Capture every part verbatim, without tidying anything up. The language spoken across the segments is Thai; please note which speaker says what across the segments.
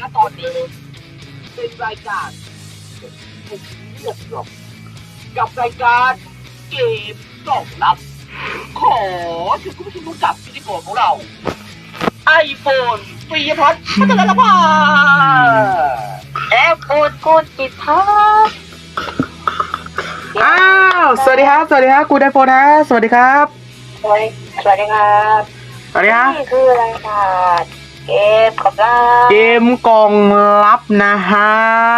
Speaker 1: ณตอนนี้เป็นรายการผมเลือกหรอกกับรายการเกมกล่องลับขอเชิญคุณผู้ชมรู้จักพิธีกรของเราไอโฟนปริยพัฒน์พัฒนละภา
Speaker 2: แอปพูดพูดจิตพัฒน์
Speaker 3: อ้าวสวัสดีครับสวัสดีครับกูไดโฟนนะสวัสดีครับ
Speaker 2: สวัสดีสวัสดีครับ
Speaker 3: สวัสดีครับ
Speaker 2: นี่คือรายการเกมกล่องลับ
Speaker 3: เกมกล่องลับนะฮะ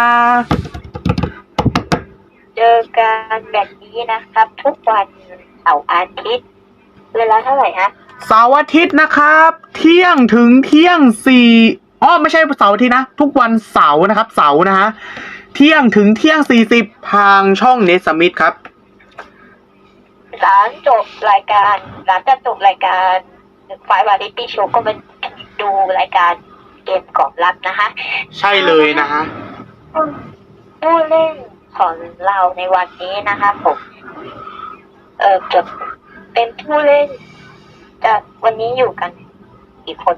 Speaker 2: เจอกันแบบนี้นะครับ ทุกวันเสาร์อาทิตย์เวลาเท่าไหร่ฮะ
Speaker 3: เสาร์อาทิตย์นะครับเที่ยงถึงเที่ยงสี่อ๋อไม่ใช่เสาร์อาทิตย์นะทุกวันเสาร์นะครับเสาร์นะฮะเที่ยงถึงเที่ยงสี่สิบทางช่องเนสมิธครับ
Speaker 2: หลังจบรายการหลังจากจบรายการไฟวาริตี้โชว์ก็มาดูรายการเกมกล่องลับนะคะ
Speaker 3: ใช่เลยนะฮะ
Speaker 2: ผู้เล่นของเราในวันนี้นะคะผมเออจะเป็นผู้เล่นจะวันนี้อยู่กันกี่คน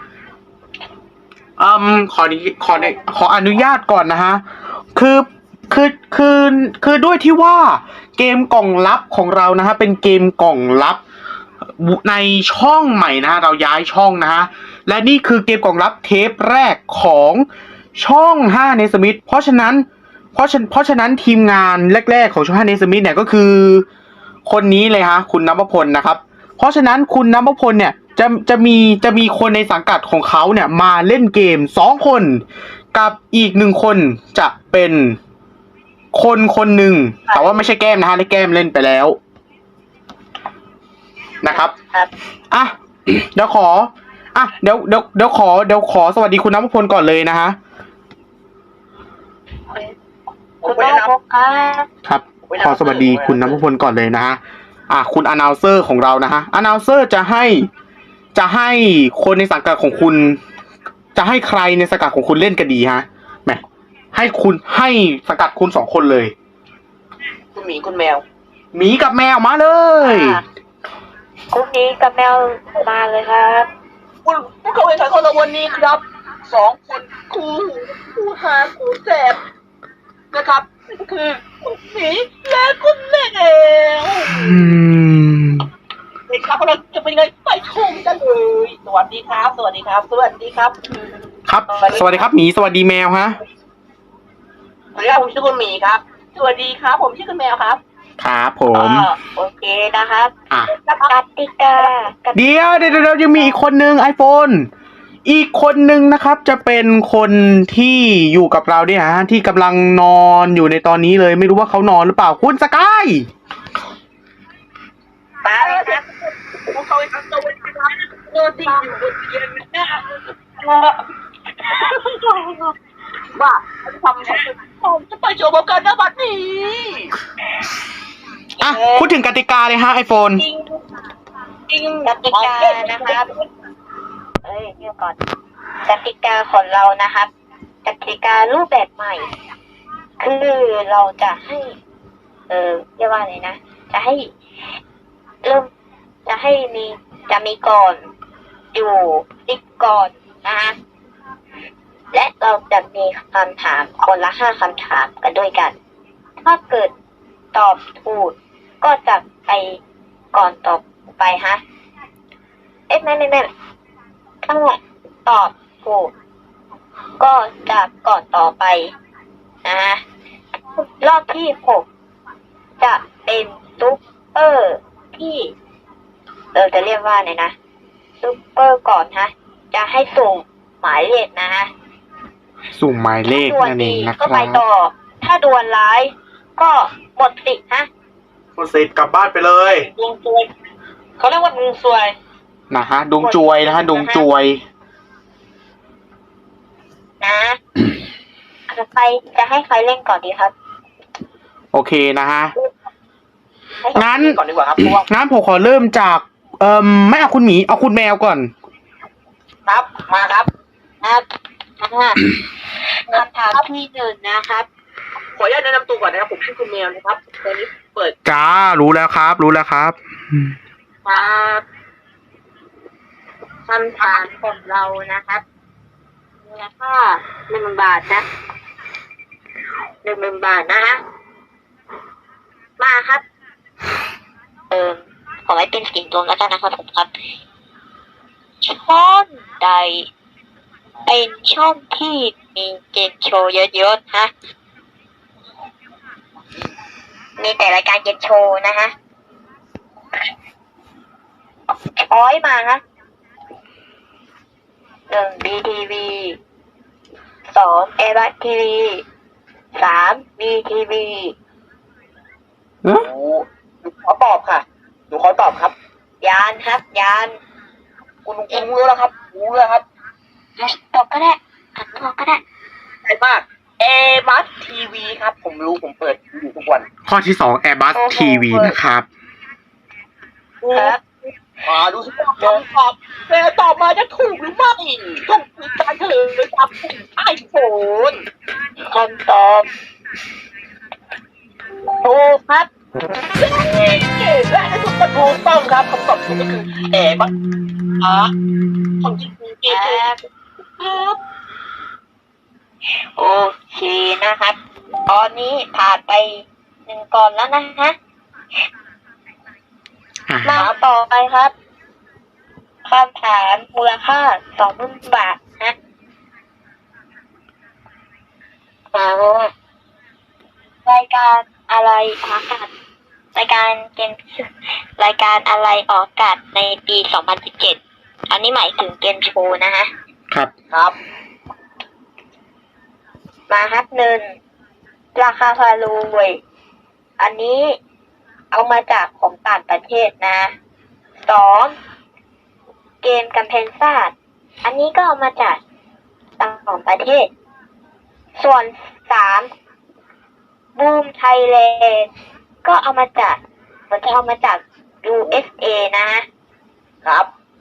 Speaker 3: อืมขอขอขออนุญาตก่อนนะฮะคือคือคือคือด้วยที่ว่าเกมกล่องลับของเรานะฮะเป็นเกมกล่องลับในช่องใหม่นะฮะเราย้ายช่องนะฮะและนี่คือเกมกล่องลับเทปแรกของช่องห้าเนสมิธเพราะฉะนั้นเพราะฉะเพราะฉะนั้นทีมงานแรกๆของช่องห้าเนสมิธเนี่ยก็คือคนนี้เลยฮะคุณณัฐพลนะครับเพราะฉะนั้นคุณณัฐพลเนี่ยจะจะมีจะมีคนในสังกัดของเขาเนี่ยมาเล่นเกมสองคนกับอีกหนึ่งคนจะเป็นคนคนหนึ่งแต่ว่าไม่ใช่แก้มนะฮะได้แก้มเล่นไปแล้วนะครับอ่ะเดี๋ยวขออ่ะเดี๋ยวเดี๋ยวเดี๋ยวขอเดี๋ยวขอสวัสดีคุณณัฐพลก่อนเลยนะฮะ
Speaker 2: คุณณัฐพล
Speaker 3: ครับขอสวัสดีคุณณัฐพลก่อนเลยนะฮะอ่ะคุณอนาลเซอร์ของเรานะฮะอนาลเซอร์จะให้จะให้คนในสังกัดของคุณจะให้ใครในสังกัดของคุณเล่นกันดีฮะแหมให้คุณให้สังกัดคุณสองคนเลย
Speaker 1: คุณหมีคุณแมว
Speaker 3: หมีกับแมวมาเลย
Speaker 2: คุณหมีกับแมวมาเลยครับ
Speaker 1: คุณผู้เข้าแข่งขันของเราวันนี้ครับสองคนคู่คู่หาคู่แสบนะครับคือคุณหมีและคุณแมวเด็กครับเราจะเป็นยังไงไปชมกันเลยสวัสดีครับสวัสดีครับสวัสดีครับ
Speaker 3: ครับสวัสดีครับหมีสวัสดีแมวฮะ
Speaker 1: สวัสดีครับผมชื่อคุณหมีครับสวัสดีครับผมชื่อคุณแมวครับ
Speaker 3: ครับผม
Speaker 2: โอเคนะครับ
Speaker 3: อ่ะ
Speaker 2: กติกา
Speaker 3: เดี๋ยวเดี๋ยวเดี๋ยวยังมีอีกคนนึง iPhone อีกคนนึงนะครับจะเป็นคนที่อยู่กับเราเนี่ยฮะที่กำลังนอนอยู่ในตอนนี้เลยไม่รู้ว่าเขานอนหรือเปล่าคุณสกาย
Speaker 2: มาเลยครับ
Speaker 1: ผมเขาไปทำตัวเป็นครับเออที่อยู่บนเตียงนะว่าทำผมจะไปโชว์บกันนะบัดนี้
Speaker 3: อ่ะพูดถึงกติกาเลยฮะ iPhone
Speaker 2: จริงจริงกติกานะครับเอ้ยเดี๋ยวก่อนกติกาของเรานะครับกติการูปแบบใหม่คือเราจะให้เออเรียกว่าอะไรนะจะให้เริ่มจะให้มีจะมีก่อนอยู่ติ๊กก่อนนะฮะและเราจะมีคำถามคนละห้าคำถามกันด้วยกันถ้าเกิดตอบถูกก็จะไปก่อนตอบไปฮะเอ๊ะไม่ไม่ไม่ถ้าตอบถูกก็จะก่อนต่อไปนะฮะรอบที่หกจะเป็นซุปเปอร์ที่เราจะเรียกว่าไงนะซุปเปอร์ก่อนฮะจะให้สุ่มหมายเลขนะฮะ
Speaker 3: สุ่มหมายเลขนั่นเองนะครับ
Speaker 2: ก็ไปต่อถ้าดวลร้ายก็หมดสิทธิ์ฮะ
Speaker 3: หมดสิทธิ์กลับบ้านไปเลย
Speaker 1: ดวงจวยเขาเรียกว่าดวงจวย
Speaker 3: นะฮะดวงจวยนะฮะดวงจวย
Speaker 2: นะใครจะให้ใครเล่นก่อนดีครับ
Speaker 3: โอเคนะฮะงั้น
Speaker 1: ก่อนดีกว่าครับ
Speaker 3: งั้นผมขอเริ่มจากเอ่อไม่เอาคุณหมีเอาคุณแมวก่อน
Speaker 1: ครับมาครับ
Speaker 2: ครับคำถามที่หนึ่งนะครับ
Speaker 1: ขออนุญาตแนะนำตัวก่อนนะครับผมชื่อคุณแมวนะครับตอนนี้เปิด
Speaker 3: จ้ารู้แล้วครับรู้แล้วครับ
Speaker 2: ครับคำถามของเรานะครับมูลค่าหนึ่งหมื่นบาทนะหนึ่งหมื่นบาทนะฮะมาครับ เออขอไว้เป็นสิ่งรวมแล้วกันนะครับผมครับช่องใดเป็นช่องที่มีเกมโชว์เยอะๆฮะมีแต่รายการเกมโชว์นะฮะช้อยมาฮะหนึ่งบีทีวีสองเอบัตทีวีสามบีทีวี
Speaker 3: เอ๊ะ
Speaker 1: หนูหนูขอตอบค่ะหนูขอตอบครับ
Speaker 2: ยานครับยาน
Speaker 1: คุณคุณรู้แล้วครับรู้แล้วครับ
Speaker 2: ตอบก็ได้อ่านตอบก็ได้
Speaker 1: ใช่มากเอบัสทีวีครับ ผมรู้ผมเปิดอยู่ทุกวัน
Speaker 3: ข้อที่สอง Airbus ที วี นะครับ
Speaker 2: ครับ
Speaker 1: มาดูสิว่าคำตอบแต่ตอบมาจะถูกหรือไม่ต้องมีการเฉลยจากไอโฟน
Speaker 2: คำตอบถูกครับ
Speaker 1: และในสุดก็ถูกต้องครับคำตอบถูกก็คือเอบัสอาร์ของจริงเอ
Speaker 2: ค
Speaker 1: เจ
Speaker 2: รับ
Speaker 1: ครับ
Speaker 2: โอเคนะครับ ตอนนี้ผ่านไปหนึ่งก่อนแล้วนะฮะ
Speaker 3: อ่า
Speaker 2: มาต่อไปครับคำถามมูลค่าสองหมื่นบาทนะอ่ารายการอะไรออกอากาศรายการเกมรายการอะไรออกอากาศในปีสองพันสิบเจ็ดอันนี้หมายถึงเกมโชว์นะฮะ
Speaker 3: ครับ
Speaker 1: ครับ
Speaker 2: มาครับหนึ่งราคาพารวยอันนี้เอามาจากของต่างประเทศนะสองเกมกำแพงซ่าอันนี้ก็เอามาจากต่างประเทศ ส่วนสามบูมไทยแลนด์ก็เอามาจากมันจะเอามาจาก ยู เอส เอ นะครับ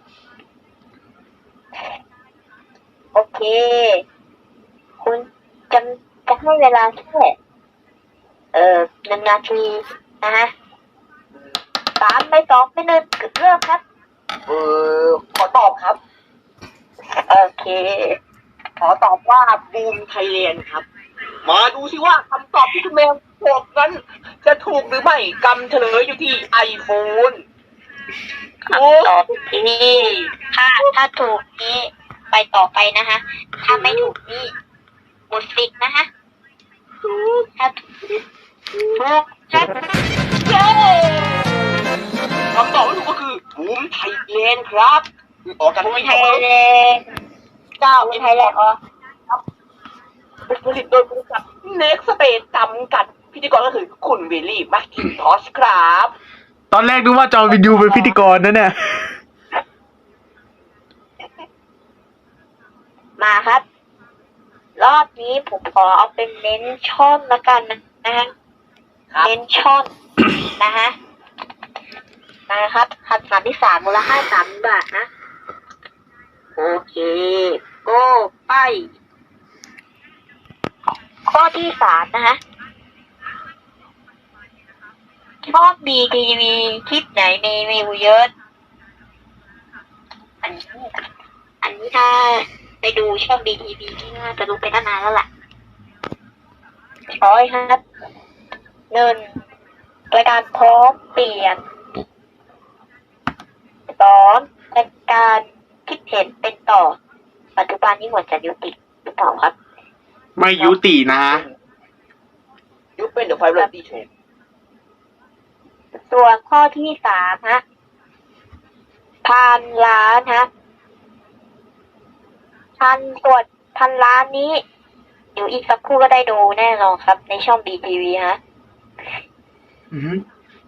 Speaker 2: โอเค คุณจะจะให้เวลาแค่เอ่อหนึ่งนาทีนะฮะสามไม่สองไม่หนึ่งเริ่มครับ
Speaker 1: เออขอตอบครับ
Speaker 2: โอเค
Speaker 1: ขอตอบว่าบูมไทยแลนด์ครับ มาดูสิว่าคำตอบที่คุณแมวบอกนั้น จะถูกหรือไม่กำเฉลยอยู่ที่ไอโฟน
Speaker 2: คำตอบที่ถ้าถ้าถูกนี้ไปต่อไปนะฮะ ถ้าไม่ถูกนี่หมดสิทธิ์นะฮะถ้าถูกถูกครับ
Speaker 1: เย้คำตอบที่ถูกก็คือบูมไทยแลนด์ครับออกจาก
Speaker 2: บูม
Speaker 1: ปี
Speaker 2: ไท
Speaker 1: สอง
Speaker 2: ยแลนด์
Speaker 1: เก้า
Speaker 2: บูมไทยแลนด์อ๋อ
Speaker 1: ผลิตโดยบริษัทเน็กสเตทจำกัดพิธีกรก็คือคุณวิลลี่แมคคินทอชครับ
Speaker 3: ตอนแรกนึกว่าจอห์นวินยูเป็นพิธีกรนะเนี่ย
Speaker 2: มาครับ รอบนี้ผมขอเอาเป็นเน้นช่อนละกันนะฮะ
Speaker 1: ครับ
Speaker 2: เน้นช่อน นะฮะนะครับคำถามที่สามมูลค่าสามบาทนะ โอเคโก้ไป ข้อที่สามนะฮะชอบบีทีวีคลิปไหนมีวิวเยอะ อันนี้อันนี้ถ้าไปดูช่องบีทีวีที่น่าจะรู้ไปตั้งนานแล้วล่ะช้อยครับหนึ่งรายการพร้อมเปลี่ยนสองรายการคิดเห็นเป็นต่อ ปัจจุบันนี้หมดจะยุติหรือเปล่าครับ
Speaker 3: ไม่ยุตินะ
Speaker 1: ยุคเป็นเดอะไฟเรตี้โชว์
Speaker 2: ส่วนข้อที่สามฮะพันล้านฮะพันส่วนพันล้านนี้ เดี๋ยวอีกสักครู่ก็ได้ดูแน่นอนครับ ในช่องบีทีวีฮะ
Speaker 3: อือหือ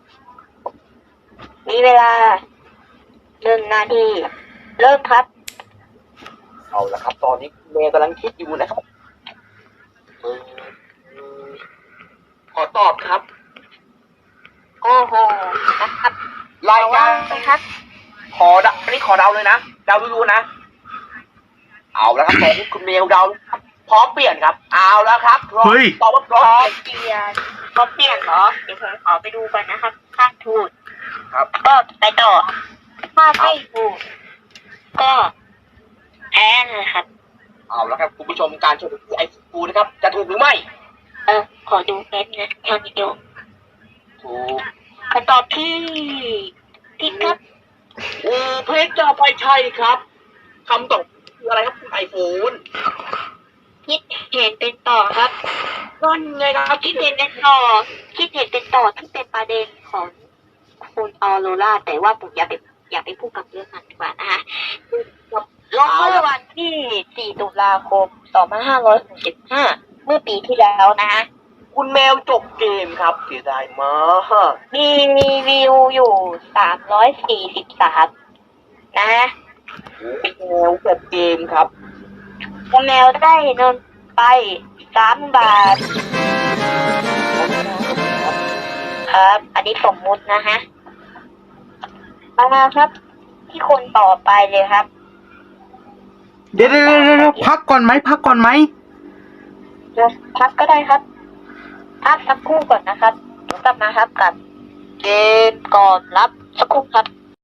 Speaker 2: มีเวลาหนึ่งนาที เริ่มครับ
Speaker 1: เอาละครับ ตอนนี้เมย์กำลังคิดอยู่นะครับเออขอตอบครับ
Speaker 2: โอ้โหนะครับ
Speaker 1: รายการ
Speaker 2: ไปครับ
Speaker 1: ขอเดาอันนี้ขอเดาเลยนะเดาดูๆนะ เอาแล้วครับตอนนี้คุณเมลเดาครับพร้อมเปลี่ยนครับ เอาแล้วครับพร้อม
Speaker 3: เฮ้ย
Speaker 1: ตอบว่าพ
Speaker 2: พ
Speaker 1: ร้อ
Speaker 2: ร้อ
Speaker 1: ม
Speaker 2: มเปลี่ยนพร้อมเปลี่ยนเหรอ เดี๋ยวผมขอไปดูก่อนนะครับ ถ้าถูก
Speaker 1: ครับ
Speaker 2: ก็ไปต่อ ถ้าไม่ถูก ก็แพ้เลยครับ
Speaker 1: เอาแล้วครับคุณผู้ชมการชมไอฟูนะครับจะถูกหรือไม่
Speaker 2: เออขอดูแป๊บนะทางวิดีโอ
Speaker 1: ถูก
Speaker 2: คำตอบที่ผิดครับ
Speaker 1: โอ้เพชรจะไปใช่ครับคำตอบคืออะไรครับคุณไอโฟน
Speaker 2: คิดเห็นเป็นต่อครับ
Speaker 1: นั่นไงครับ
Speaker 2: คิดเห็นเป็นต่อ คิดเห็นเป็นต่อที่เป็นประเด็นของคุณออโรราแต่ว่าผมอย่าไปอย่าไปพูดกับเรื่องนั้นดีกว่านะคะลงเมื่อวันที่ สี่ ตุลาคม สองพันห้าร้อยหกสิบห้า เมื่อปีที่แล้วนะคะ
Speaker 1: คุณแมวจบเกมครับเสียดายมาก
Speaker 2: มีรีวิวอยู่ สามร้อยสี่สิบสาม นะ
Speaker 1: แมวจบเกมครับ
Speaker 2: คุณแมวได้เงินไป สาม บาท ครับ อันนี้สมมุตินะฮะมาครับ ที่คนต่อไปเลยครับ
Speaker 3: เดี๋ยวเดี๋ยวเดี๋ยวเดี๋ยวพักก่อนไหมพักก่อนไหม
Speaker 2: พักก็ได้ครับ พักสักครู่ก่อนนะครับเดี๋ยวกลับมาครับกับเกมก่อนรับสักครู่ครับ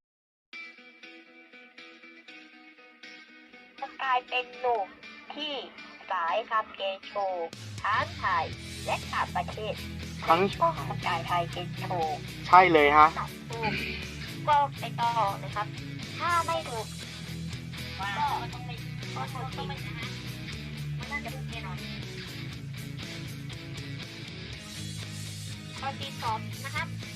Speaker 2: จะกลายเป็นหนุ่มที่สายทำเกมโชว์ทั้งไทยและต่างประเทศ
Speaker 3: ทั้ง
Speaker 2: ก็กระจายไทยเกมโชว์
Speaker 3: ใช่เลยฮะ
Speaker 2: ถูกก็ไปต่อนะครับ ถ้าไม่ถูกก็ต้องไม่ก็ต้องไม่นะฮะมันน่าจะถูกแน่นอนข้อที่สองนะครับ